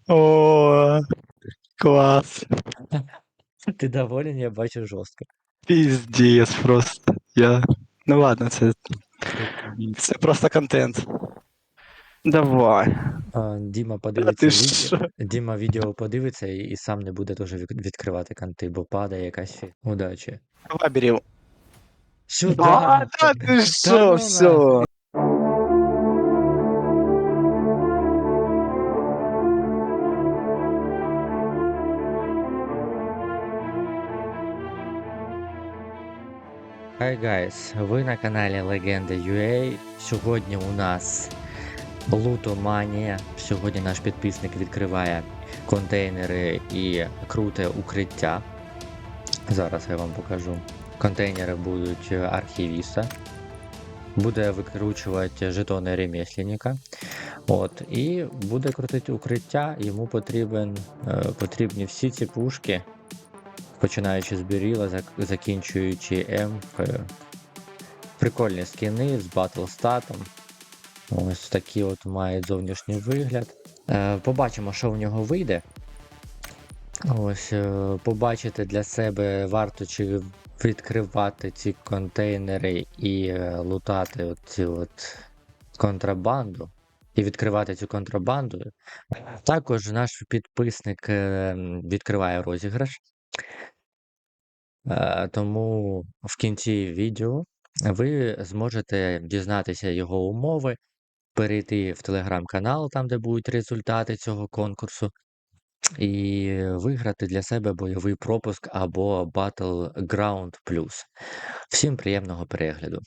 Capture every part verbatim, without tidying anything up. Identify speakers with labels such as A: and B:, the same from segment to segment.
A: О, класс.
B: Ти доволен, я бачу жорстко.
A: Пиздец просто. Я... Ну ладно, це,
B: Тут
A: це просто контент. Давай.
B: а, Діма
A: А ти
B: подивиться відео.
A: що?
B: Діма відео подивиться і, і сам не буде теж від- відкривати канти, бо падає якась фі- удачі.
A: Давай бери. А,
B: Сюда!
A: да ти
B: Та
A: що,
B: ну нахуй!
A: все.
B: Hi guys, ви на каналі Легенда ю ей. Сьогодні у нас лутоманія. Сьогодні наш підписник відкриває контейнери і круте укриття. Зараз я вам покажу. Контейнери будуть архівіста. Буде викручувати жетони ремесленника. От, і буде крутити укриття. Йому потрібен, е, потрібні всі ці пушки, починаючи з Біріла, зак- закінчуючи М. Е, прикольні скіни з батлстатом. Ось такі от мають зовнішній вигляд. Е, побачимо, що в нього вийде. Ось, е, побачити для себе варто чи відкривати ці контейнери і е, лутати оці от контрабанду. І відкривати цю контрабанду. Також наш підписник е, відкриває розіграш. Е, Тому в кінці відео ви зможете дізнатися його умови, перейти в телеграм-канал, там де будуть результати цього конкурсу, і виграти для себе бойовий пропуск або Battleground Plus. Всім приємного перегляду.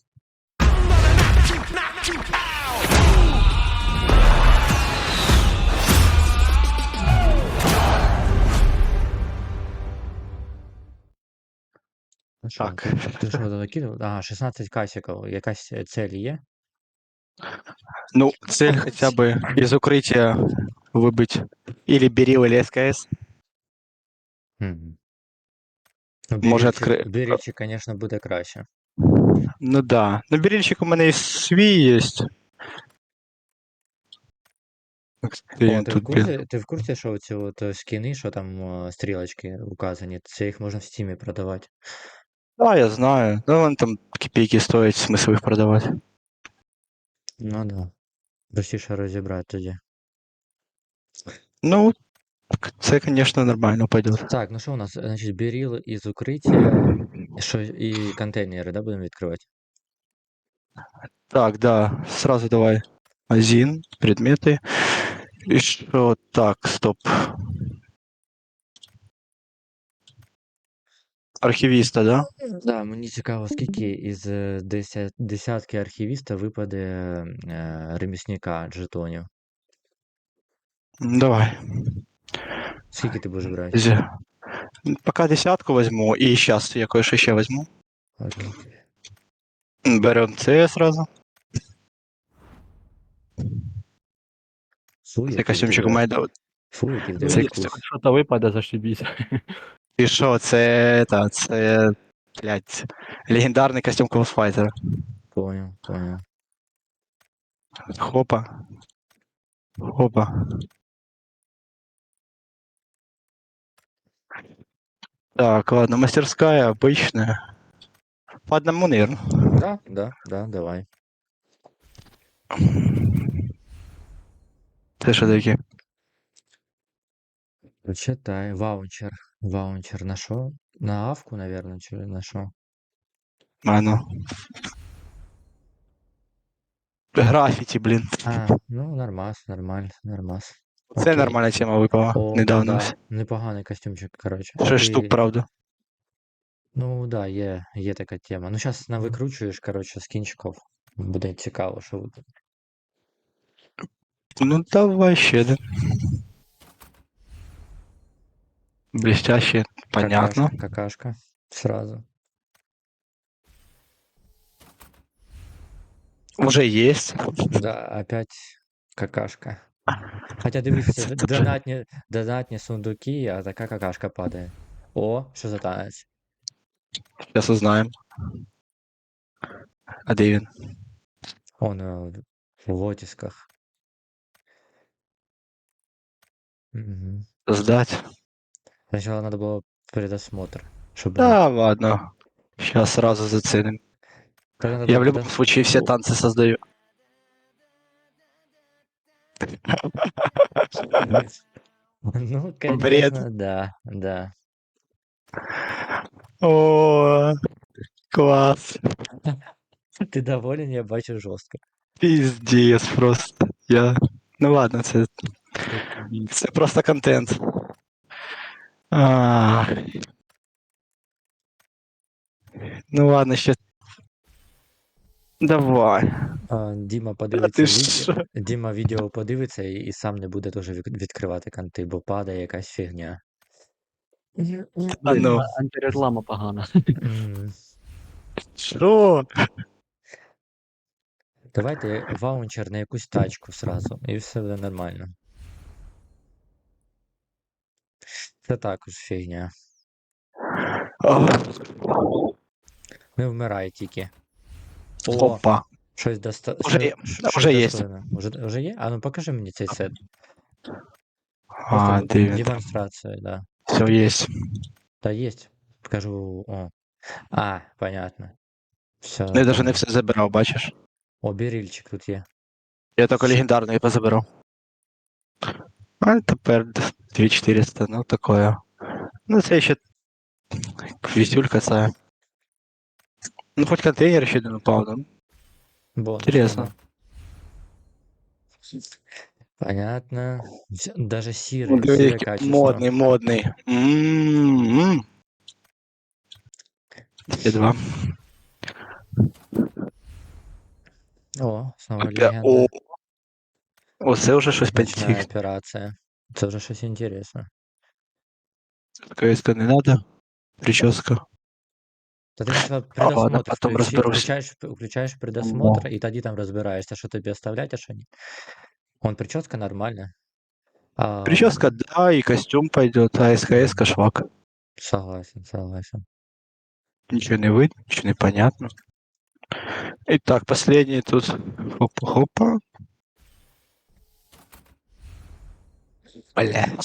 B: Ну що,
A: Так.
B: ти, ти що закинув? Ага, шістнадцять касиків. Якась цель є?
A: Ну, цель хотя бы из укрытия выбыть или Берил, или СКС.
B: Мгм. Ну,
A: Може
B: Бірільчик,
A: відкрити.
B: Бірільчик, звісно, буде краще.
A: Ну да. Ну, Берильчик у мене і свій є. Де
B: О,
A: він
B: ти в
A: тут, блін?
B: курсі, ти в курсі, що ці от е, скіни, що там е, стрілочки указані, це їх можна в стімі продавати.
A: Да, я знаю. Ну, вони там копійки стоять, смисл їх продавати.
B: Ну да. Простіше розібрати тоді.
A: Ну, це, звісно, нормально пойдет.
B: Так, ну що у нас? Значить, біріл із укриття, що і контейнери, да, будемо відкривати?
A: Так, да, сразу давай. Один, предметы. И что? Так, стоп. Архивиста, да?
B: Да, мені цікаво, скільки із е, деся- десятки архівіста випаде е, ремісника жетонів.
A: Ну, давай.
B: Скільки ти будеш брати?
A: Зе- Пока десятку возьму, и сейчас я кое-что еще возьму.
B: Окей.
A: Берем С сразу.
B: Фу,
A: Цей
B: який в
A: костюмчик у
B: тебе.
A: мене. да,
B: Фу, який в
C: Ну,
B: тебе
A: Цей
C: якщо
A: костюм.
B: вкус.
C: щось випаде, зашибісь.
A: І що, це, та, це, блядь, легендарний костюм Клаусфайтера.
B: Понял, понял.
A: Хопа. Хопа. Так, ладно, мастерская обычная. По одному, наверное.
B: Да, да, да, давай.
A: Це що таке?
B: Читай, ваучер. Ваучер на що? На авку, наверное, чи на що?
A: А, ну. Графіті, блін.
B: А, ну, нормас, нормально, нормас.
A: Це
B: Окей.
A: нормальна тема випала
B: О,
A: недавно.
B: да, непоганий костюмчик, коротше.
A: Шесть штук,
B: Ти,
A: правда.
B: ну, да, є, є така тема. Ну, зараз навикручуєш, коротше, з кінчиків. Буде цікаво, що буде.
A: Ну, давай ще один. Блестяще, понятно.
B: Какашка, какашка. Сразу.
A: Уже есть.
B: Да, опять какашка. Хотя дивіться, д-
A: Це вже-
B: донатні, донатні сундуки, а така какашка падає. О, що за танець?
A: Сейчас узнаем. А де він?
B: Он е, в лотісках. Мгм.
A: сдать.
B: Сначала надо было предосмотр, чтобы...
A: Да, ладно. Сейчас сразу заценим.
B: Тогда надо
A: Я
B: было
A: в любом
B: предос...
A: случае все танцы создаю.
B: Ну,
A: Бред.
B: конечно, да, да.
A: О, класс.
B: Ты доволен, я бачу жестко.
A: Пиздец просто. Я... Ну ладно, це,
B: Це-
A: це просто контент. А, ну ладно, ще. Давай.
B: А, Діма
A: А
B: подивиться
A: ти
B: відео.
A: що?
B: Діма відео подивиться і, і сам не буде теж від- відкривати канти, бо падає якась фігня.
A: А
C: Блін,
A: ну.
C: а- антиреклама погана.
B: М,
A: Що?
B: Давайте ваунчер на якусь тачку сразу, і все буде нормально. Це також фігня.
A: О,
B: Не вмирай тільки. О,
A: Опа.
B: щось доста...
A: Уже,
B: що...
A: є-
B: щ- щось
A: уже є.
B: достойне. Уже, уже є? А ну покажи мені цей сет. Просто
A: А,
B: д-
A: де він там?
B: демонстрація, да.
A: Все є.
B: Да, есть. Покажу. О. А, понятно. Все,
A: Ну, я навіть не
B: понял.
A: все забирав, бачиш?
B: О, бірільчик тут є.
A: Я тільки легендарний позабирав. А тепер двадцять чотириста, ну такое. Ну це ще вісюлька це. Ну хоч контейнер ще один упав, да?
B: Бонус.
A: Интересно.
B: да. Понятно. Вс- Даже
A: Ну,
B: сірий,
A: диви,
B: сіре
A: який
B: качество.
A: модний, модний. М-м-м. Є два.
B: О, снова
A: Опя- О,
B: легенда.
A: оце вже щось
B: Ночная
A: підтік.
B: операція. Це вже щось інтересне.
A: КСК не надо. Прическа.
B: Та ти сначала
A: А ладно,
B: предосмотр
A: потом
B: включи,
A: разберусь.
B: включаєш, включаєш предосмотр, і тоді там розбираєшся, що тобі оставлять, а що ні. Он прическа нормальна. А,
A: Прическа, да, и костюм пойдет, а СКС швак.
B: согласен, согласен.
A: Ничего не видно, ничего не понятно. Итак, последний тут. Хопа-хопа. Бля.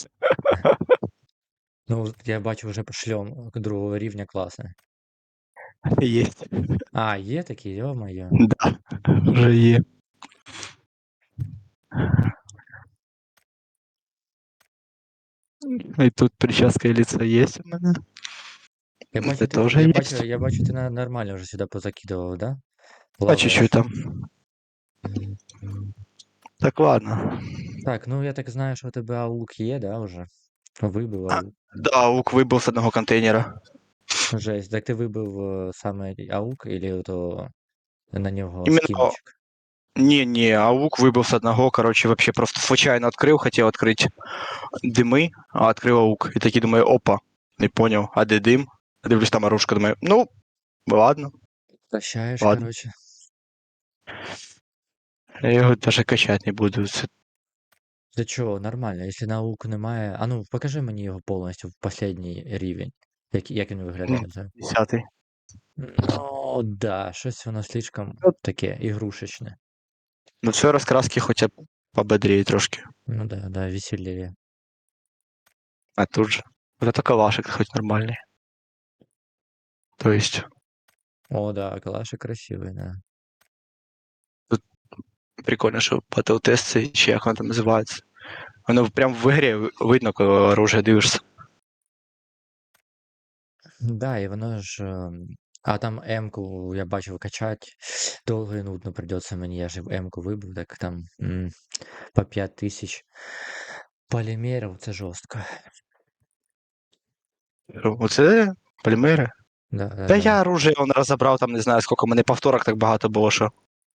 B: Ну, я бачу вже шльом другого рівня класний.
A: Есть.
B: А, є такі, йо-моє.
A: Да, уже є. И тут прическа и лицо есть у меня.
B: Я бачу,
A: Это
B: ти,
A: тоже
B: я бачу,
A: есть.
B: я бачу, ти на- нормально вже сюди позакидував, да?
A: По
B: Плаваєш.
A: чуть-чуть там.
B: Мгм.
A: Так, ладно.
B: Так, ну я так знаю, що у тебе аук є, да, вже? Вибив
A: А,
B: аук.
A: Да, лук выбыл с одного контейнера.
B: Жесть. Так ти вибив е, саме аук, или то на нього
A: Именно...
B: скінчик?
A: Не-не, а лук выбыл с одного, короче, вообще просто случайно открыл, хотел открыть дымы, а открыл лук. И такие думаю, опа, не понял, а где дым? Дивлюсь, там оружка, думаю, ну, ладно,
B: Прощаєш,
A: ладно.
B: короче.
A: Я його даже качать не буду. Це
B: Для чого? Нормально. Якщо на аук немає. А ну, покажи мені його повністю в останній рівень. Як, як він виглядає взагалі?
A: десятий.
B: Ну, да, щось воно слишком
A: Ну,
B: таке ігрушечне.
A: Ну, все розкраски хоча б пободрее трошки.
B: Ну да, да, веселее.
A: А тут же. Зато калашик хоть нормальный. То есть,
B: О, да, калаши красивий, да.
A: прикольно, що батл-тест цей, чи як воно там називається. Воно прям в ігрі ви- видно, коли оружие дивишся.
B: Да, і воно ж. ем, А там М-ку я бачив качати. Довго і нудно придеться мені, я ж М-ку вибив, так там м, по п'ять тисяч полімерів, це жорстко.
A: Оце полімери.
B: Да, да,
A: Та
B: да.
A: я оружие он розібрав, там не знаю, скільки, у мене повторок так багато було, що.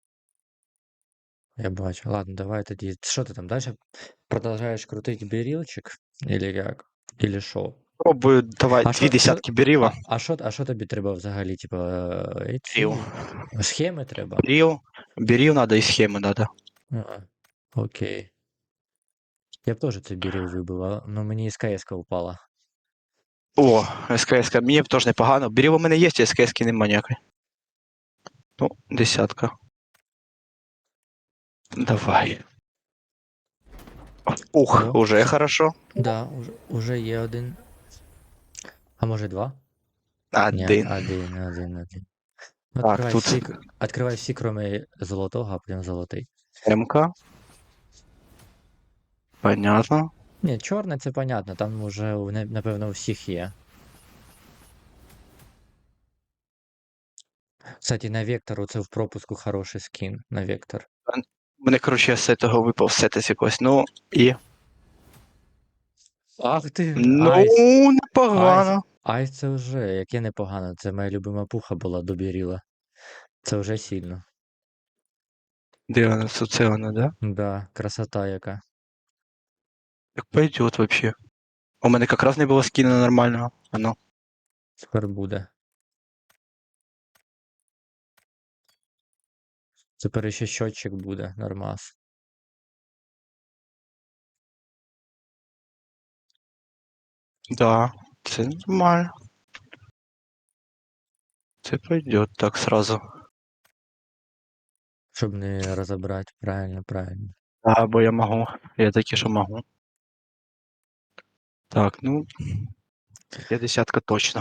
B: Я бачу. Ладно, давай тоді. Що ти там далі? Продовжуєш крутити бірілчик? Или як? Или що?
A: Пробую, давай,
B: А
A: дві
B: що, що,
A: десятки беріла.
B: а, а, що, а що тобі треба взагалі? Типа, е, ці
A: Беріл.
B: схеми треба?
A: Беріл. Беріл надо і схеми надо.
B: А, окей. Я б теж це біріл вибив, а, ну мені СКС-ка упала.
A: О, СКС, мені б теж непогано. Беріл у мене є, а СКС нема ніякої. Ну, десятка. Давай. Ух,
B: О,
A: уже
B: це-
A: хорошо.
B: Да, уже, уже є один. А може два? Ні,
A: Один.
B: один, один, один.
A: Так,
B: Откривай
A: тут
B: всі, к- откривай всі, кроме золотого, а потім золотий.
A: М-ка. Понятно.
B: Ні, чорне це понятно, там уже у не- напевно у всіх є. Кстати, на Вектору це в пропуску хороший скін на Вектор.
A: Мене, коротше, з цього випав сетис якось. Ну, і.
B: Ах ти,
A: Ну,
B: Айс. Айс.
A: непогано.
B: Айс це вже, яке непогано. Це моя любима пуха була до Біріла. Це вже сильно.
A: Де вона? Це це вона, да?
B: Да, красота яка.
A: Так пойдет вообще. У мене якраз не було скіна нормального. А ну.
B: Тепер буде. Тепер ще щотчик буде, нормас.
A: Да, це нормально. Це пойдет так сразу.
B: Щоб не розібрати. Правильно, правильно.
A: Да, бо я можу. Я таки, що можу. Так, ну. п'ятдесятка точно.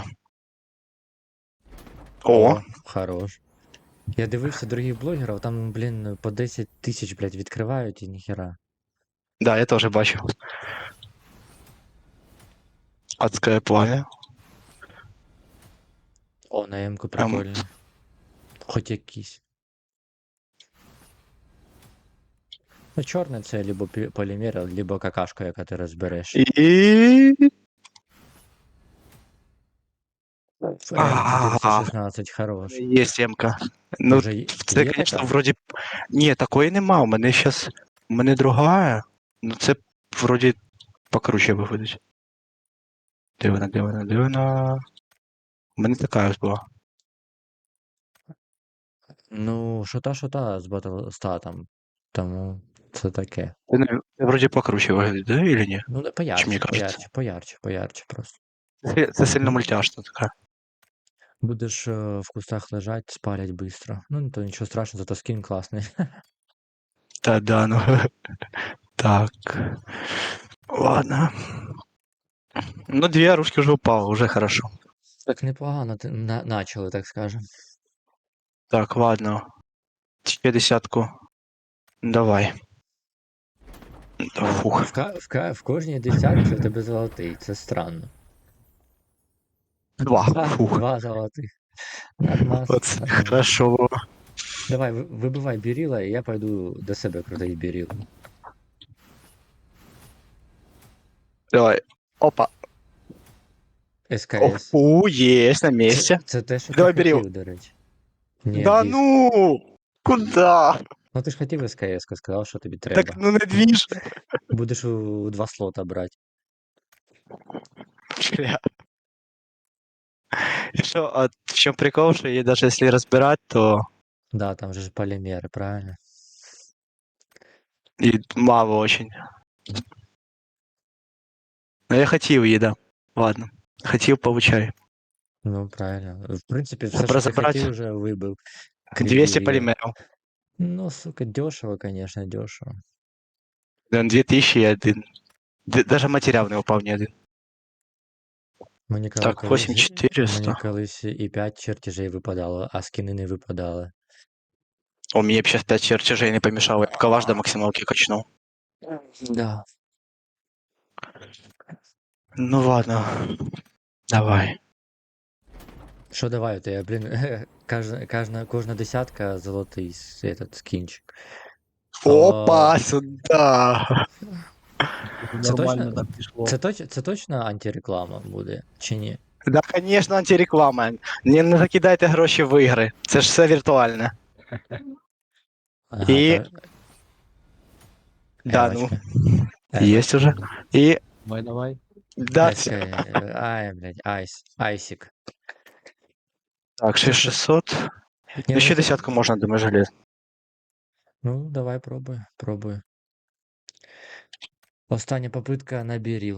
A: О!
B: Хорош. Я дивився других блогерів, там, блін, по десять тисяч, блядь, відкривають і ніхера.
A: Да, я теж бачу. Адське пламя.
B: О, на М-ку
A: Ем.
B: прикольний. Хоч якийсь. Ну, чорне це либо пі- полімер, либо какашка, яка ти розбереш.
A: І.
B: М чотириста шістнадцять, хорош.
A: Є сімка. Ну,
B: Уже є
A: це,
B: є
A: звісно,
B: така?
A: вроді. Ні, такої нема. У мене зараз. У мене другая. Ну це вроді покруче виходить. Де вона, де вона, де вона? У мене така ось була.
B: Ну, що та, що та з Battle статом. Тому це таке.
A: Це, не- це вроді покруче виглядить, да, или ні?
B: Ну,
A: Чи
B: поярче,
A: мені кажеться?
B: поярче, поярче, поярче просто.
A: Це, це сильно мультяшна така.
B: Будеш е, в кустах лежать, спалять быстро. Ну, то нічого страшного, зато скін класний.
A: Та да, ну. Так. Ладно. Ну, две оружки уже упало, уже хорошо.
B: Так непогано ти на- начали, так скажем.
A: Так, ладно. Ще десятку. Давай. Фух.
B: В, ка- в, ка- в кожній десятці у тебе золотий, це странно.
A: Два.
B: Два,
A: Фух.
B: два золотих. Нормас,
A: Оце
B: нормас.
A: хорошо було.
B: Давай, ви- вибивай біріла, і я пойду до себе крутий біріл.
A: Давай. Опа.
B: СКС.
A: О, есть на месте.
B: Це, це те, що
A: Давай
B: ти
A: біріл.
B: хотів, до речі. Ні,
A: Да
B: диск.
A: ну! Куда?
B: Ну ти ж хотів СКС, сказав, що тобі треба.
A: Так ну не движ.
B: Будеш у, у два слота брати.
A: Бля. И что, а в чем прикол, что ей даже если разбирать, то
B: Да, там же ж полімери, правильно?
A: и мало очень. Но я хотел ей, да. Ладно. Хотел, получай.
B: Ну, правильно. В принципі, все, що ти
A: Разобрать
B: хотів, вже вибив.
A: двести
B: Біріл.
A: полимеров.
B: Ну, сука, дешево, конечно, дешево.
A: две тысячи и один. Д- Даже материал не упал ни один.
B: Мені коли-
A: Так,
B: колись,
A: восемь четыреста.
B: мені колись і п'ять чертежей випадало, а скини не випадали.
A: О, мне бы сейчас пять чертежей не помешало. Я бы калаш до максималки качнул.
B: Да.
A: Ну ладно. Давай.
B: Що давай, то я, блін, кожна, кожна, кожна десятка золотий с- этот скінчик.
A: Опа, сюда.
B: Це
C: Нормально
B: точно,
C: так пішло.
B: це, точ, це точно антиреклама буде, чи ні?
A: Да, конечно, антиреклама. Не, не закидайте гроші в ігри. Це ж все віртуальне.
B: Ага,
A: І-
B: та-
A: Да, ну.
B: Евочка.
A: Есть уже. И
C: Давай, давай.
A: да,
B: Эска, э, Ай, блядь, айс, айсик.
A: так, шесть шестьсот.
B: Ні,
A: Ну,
B: ну,
A: ще
B: це-
A: десятку можна, думаю, желез.
B: Ну, давай пробуй, пробуй. Остання попитка на біріл.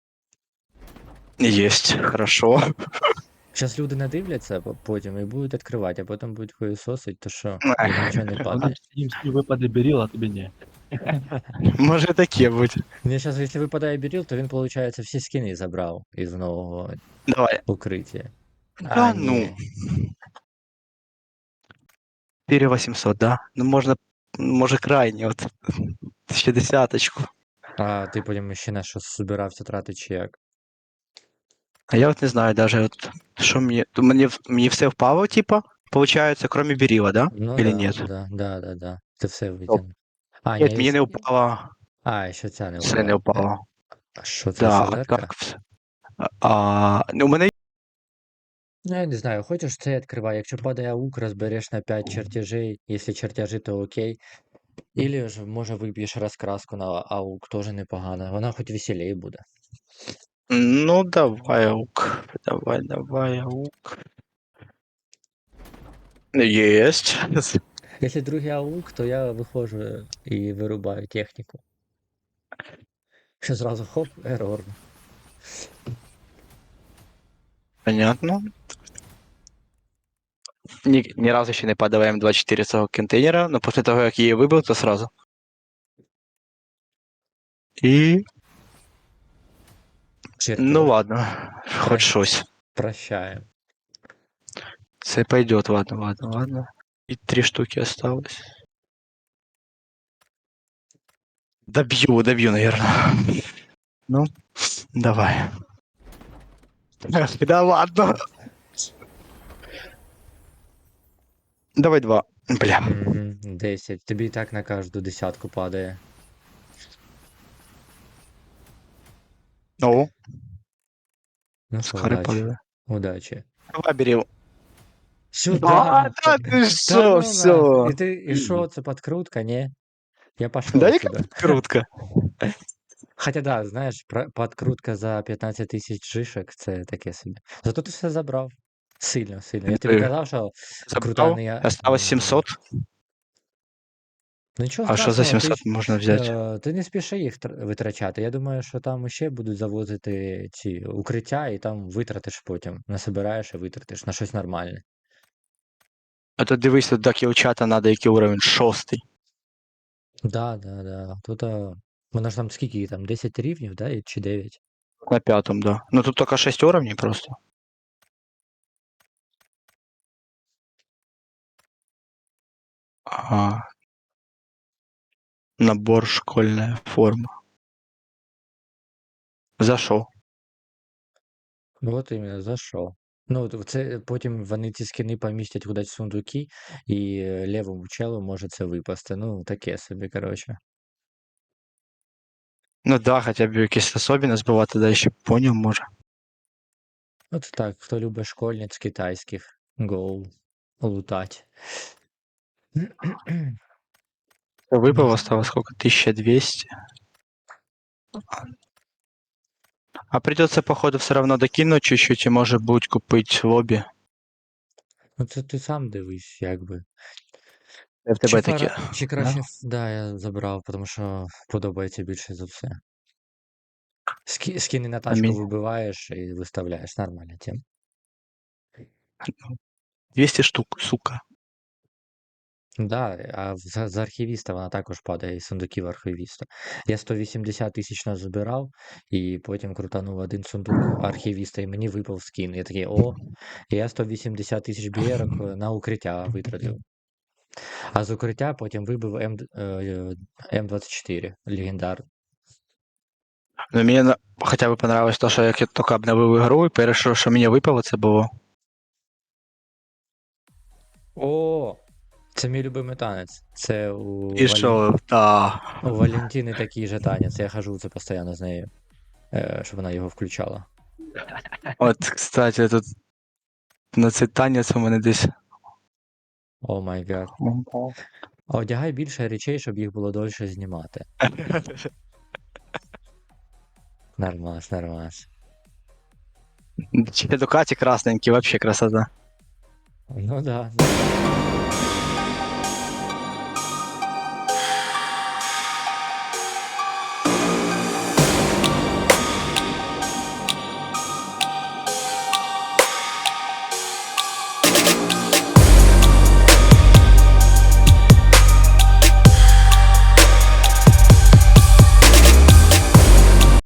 A: Есть, хорошо.
B: Зараз люди надивляться по- потім і будуть відкривати, а потім будуть хуєсосить, то що,
A: Ех.
B: їм нічого не
C: Вони
B: падає.
C: всі всі випади беріл, а тобі ні.
A: Може таке бути.
B: Мне сейчас, если выпадает Берил, то він, получается, всі скини забрав із нового
A: Давай.
B: укриття. А,
A: Да ну.
B: ні.
A: четыре восемьсот, да? Ну можно, може крайне, от. Ще десяточку.
B: А ти потім ще на щось збирався тратити чи як?
A: А я от не знаю даже, от, що мені, то мені, в- мені все впало, типа, получается, кроме Берила, да?
B: Ну
A: Или
B: да,
A: нет?
B: да, да, да, да. Ти все
A: Стоп.
B: витягнув. А,
A: Нет,
B: ні,
A: мені не
B: с-
A: впало,
B: а, ще ця не
A: все не
B: впала. Е,
A: впало.
B: А що це,
A: Да, а
B: СЗРка?
A: так все. А, а, ну, у мене
B: Ну, я не знаю, хочеш це відкривай. Якщо падає аук, розбереш на п'ять чертежей. Якщо чертежі, то окей. Ілі ж, може, виб'єш розкраску на аук, теж непогано. Вона хоч веселей буде.
A: ну давай, аук. Давай, давай, аук. Есть.
B: Якщо другий аук, то я виходжу і вирубаю техніку. Що зразу хоп, ерор.
A: Понятно. Ни, ни разу ще не падала М двадцять чотири з цього контейнера, но після того, як її вибив, то сразу. І, ну
B: Чертеж.
A: ладно, хоч
B: Прощ-
A: щось.
B: Прощаємо.
A: Це пойдет, ладно, ладно, ладно. И три штуки осталось. Добью, добью, наверное. Ну, давай. Да ладно. Давай два. Бля.
B: Угу, десять. Тобі і так на кожну десятку падає.
A: Ну,
B: Ну що,
A: скоро
B: удачі.
A: падає.
B: Удачі.
A: Давай, бери.
B: Сюда!
A: Да, ты
B: Та
A: шо,
B: ну нахуй. І
A: все.
B: ти, і що, це подкрутка, ні? Я пошел
A: Да яка
B: отсюда.
A: крутка.
B: Хотя да, знаєш, про- подкрутка за п'ятнадцять тисяч жишек, це таке собі. Зато ти все забрав. Сильно, сильно. Я тобі
A: Ти
B: казав, що крута
A: забрав,
B: не я.
A: осталось сімсот.
B: Ну нічого
A: А що за
B: страшного, ти,
A: сімсот
B: ж,
A: можна взяти?
B: е, ти не спіши їх тр- витрачати. Я думаю, що там ще будуть завозити ці укриття, і там витратиш потім. Насобираєш і витратиш на щось нормальне.
A: А то дивись, тут до кілчата надо який уровень шостий.
B: Да, да, да. Тут а, вона ж там скільки там, десять рівнів, да, і- чи дев'ять?
A: На пятом, да. Ну тут только шесть уровней просто. Ага. Набор школьная форма. Зашел.
B: От іменно, за що? Ну, от це потім вони ці скини помістять кудись в сундуки, і е, лівому челу може це випасти. Ну, таке собі, коротше.
A: Ну да, хотя бы якісь особенность була, тоді ще понял, може.
B: От так, хто любить школьниць китайських, гоу, лутать.
A: Випало осталось сколько? тысяча двести. А придется, походу, все равно докинуть чуть-чуть и, может быть, купить лобби.
B: Ну, це ти сам дивись, якби.
A: Я в
B: Чи,
A: тебе
B: фара...
A: таке.
B: Чи краще, ф- да, я забрав, тому що подобається більше за все. Ски... Скини на
A: А
B: тачку
A: мені
B: вибиваєш і виставляєш, нормальна тема.
A: двісті штук, сука.
B: Да, а в- за, за архівіста вона також падає із сундуків архівіста. Я сто вісімдесят тисяч назбирав, і потім крутанув один сундук архівіста, і мені випав скін. Я такий, о, і я сто вісімдесят тисяч бієрок е, на укриття витратив. А з укриття потім вибив М, е, М двадцять чотири, легендар.
A: Ну, мені на- хоча б понравилось то, що як я тільки обновив ігру, і перше, що мені випало, це було.
B: О! Це мій любимий танець. Це у,
A: І
B: Вален...
A: що, та.
B: у Валентини такий же танець. Я хожу це постійно з нею, е, щоб вона його включала.
A: От, кстати, тут на цей танець у мене десь.
B: О май гад. А одягай більше речей, щоб їх було довше знімати. Нормас, нормас.
A: Чи Дукаті красненький, вообще красота.
B: Ну да.